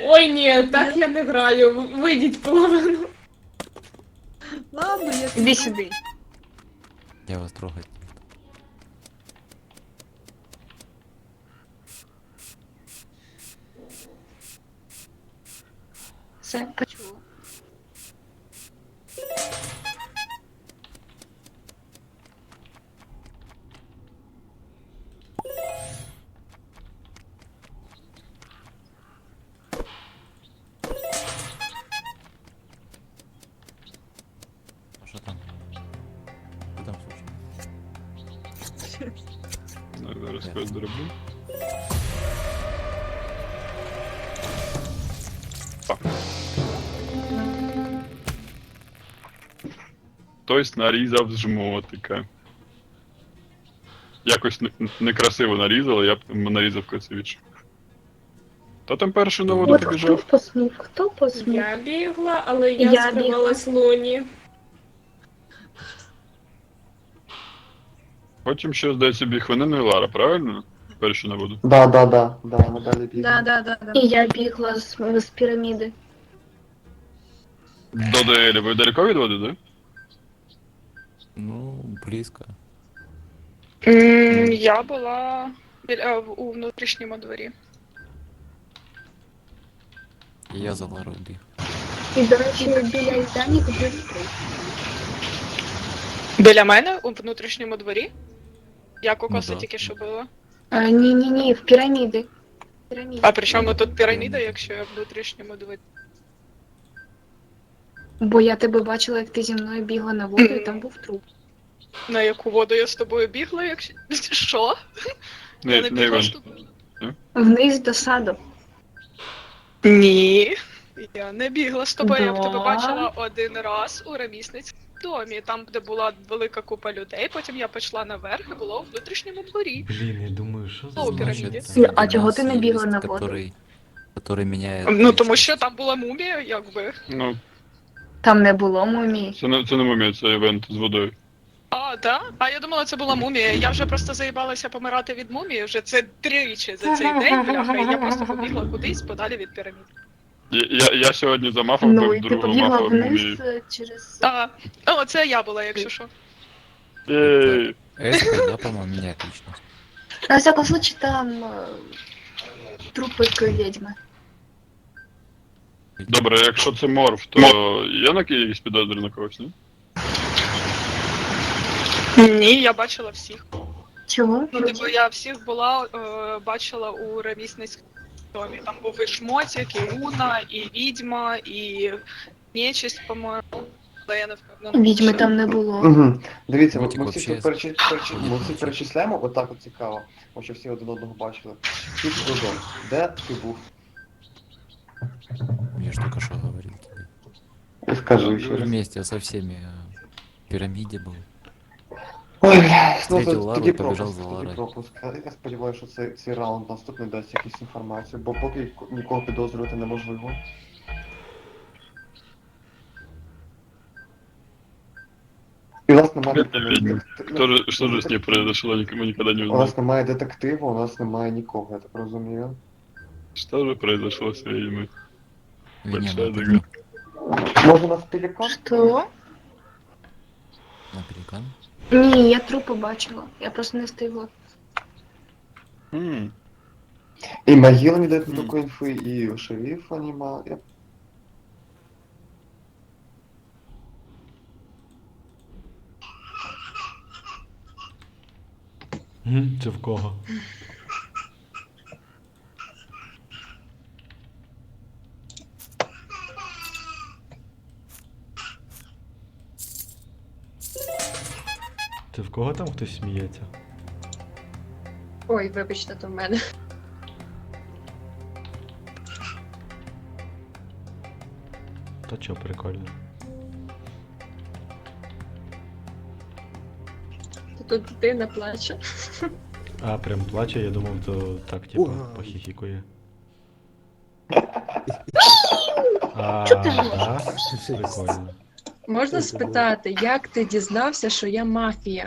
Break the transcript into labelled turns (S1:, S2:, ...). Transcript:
S1: Ой, ні, так я не граю. Вийдіть половину.
S2: Ладно, я
S3: Іди сюди.
S4: Я вас трогать.
S3: Все, почула.
S4: А що там? Що там случилось?
S5: Зараз когось зроблю. Хтось нарізав жмотика. Якось некрасиво нарізали, я б нарізав красивіше. Та там перший на воду
S6: От хто
S5: побіжав.
S6: посмів, хто посмів?
S1: Я бігла, але я
S6: Я
S1: скривалась Луні.
S5: Потім ще, здається, біг Венена і Лара, правильно? Перший на воду.
S7: Да, ми далі бігли.
S2: Да.
S6: І я бігла з піраміди.
S5: До ДЛ. Ви далеко від води, да?
S4: Ну, близько.
S3: Я була у внутрішньому дворі.
S4: І я за Ларою біг.
S6: І, до речі, біля Іздані купив стрій.
S3: Біля мене у внутрішньому дворі? Я кокоса
S4: Ну да.
S3: тільки що була.
S6: Ні, в піраміди. Піраміди.
S3: А при чому тут піраміда, якщо я в внутрішньому дворі?
S6: Бо я тебе бачила, як ти зі мною бігла на воду, і там був труп.
S3: На яку воду я з тобою бігла, якщо. Що? Я не
S5: Не
S3: бігла
S5: Іван.
S3: з тобою.
S6: Вниз до саду.
S3: Ні. Я не бігла з тобою, я в тебе
S6: Да.
S3: бачила один раз у ремісницькому домі, там, де була велика купа людей, потім я пішла наверх і була у внутрішньому дворі.
S8: Блін, я думаю, що за
S3: О, піраміді.
S6: А чого ти не бігла на воду?
S4: Который меняет...
S3: Ну тому що там була мумія, якби.
S5: Ну,
S6: Там не було мумії.
S5: це не мумія, це івент з водою.
S3: А, да? А я думала, це була мумія. Я вже просто заїбалася помирати від мумії, вже це тричі за цей день, бляха, і я просто побігла кудись подалі від пірамід.
S5: Я сьогодні замахав
S6: Ну,
S5: би
S6: і ти
S5: другого
S6: побігла
S5: махав
S6: вниз
S5: мумії.
S6: через...
S3: О, це я була, якщо що.
S5: Єй.
S4: Эспер, да, по-моему, меняет личность.
S6: На всякому случае, там трупик відьми.
S5: Добре, якщо це морф, то є на якісь підозри на когось, ні?
S3: Ні, я бачила всіх.
S6: Чого?
S3: Ну, типу, я всіх була, бачила у ремісницькому домі. Там був і Шмотик, і Луна, і Відьма, і Нечисть, по-моєму. Але я не впевнена.
S6: Відьми там не було.
S7: Угу. Дивіться,
S4: Мотик
S7: ми
S4: вообще
S7: всі ми всі перечисляємо, отак от цікаво. Бо що всі один одного бачили. Ти Додо, де ти був?
S4: Я ж только что говорил тебе.
S7: Скажи ще раз.
S4: Вместе со всеми в пирамиде был.
S7: Ой, блядь,
S4: Встретил Лару
S7: тоді
S4: і побіжав
S7: пропуск,
S4: за
S7: тоді
S4: Ларою.
S7: пропуск. Я сподіваюся, що цей раунд наступний дасть якусь інформацію, бо поки нікого підозрювати неможливо. І у нас немає
S5: Что же с ней произошло, мы никогда не
S7: у
S5: узнаем.
S7: нас немає детективу, у нас немає нікого, я так розумію.
S5: Что же произошло с ведьмой?
S4: Веня
S5: Большая
S4: на
S5: загадка.
S7: Може у нас пелікан?
S6: Що?
S4: На пеликан.
S6: Ні, я трупи бачила. Я просто не встигла.
S7: І могила не дає такої інфи, і шерифа нема.
S8: Це в кого? Це в кого там хтось сміється?
S2: Ой, вибачте, то в мене.
S8: Та чо, прикольно.
S2: Тут дитина плаче.
S8: А, прям плаче, я думав, то так, типа, похихікує. А, да? Прикольно.
S2: Можна спитати, як ти дізнався, що я мафія?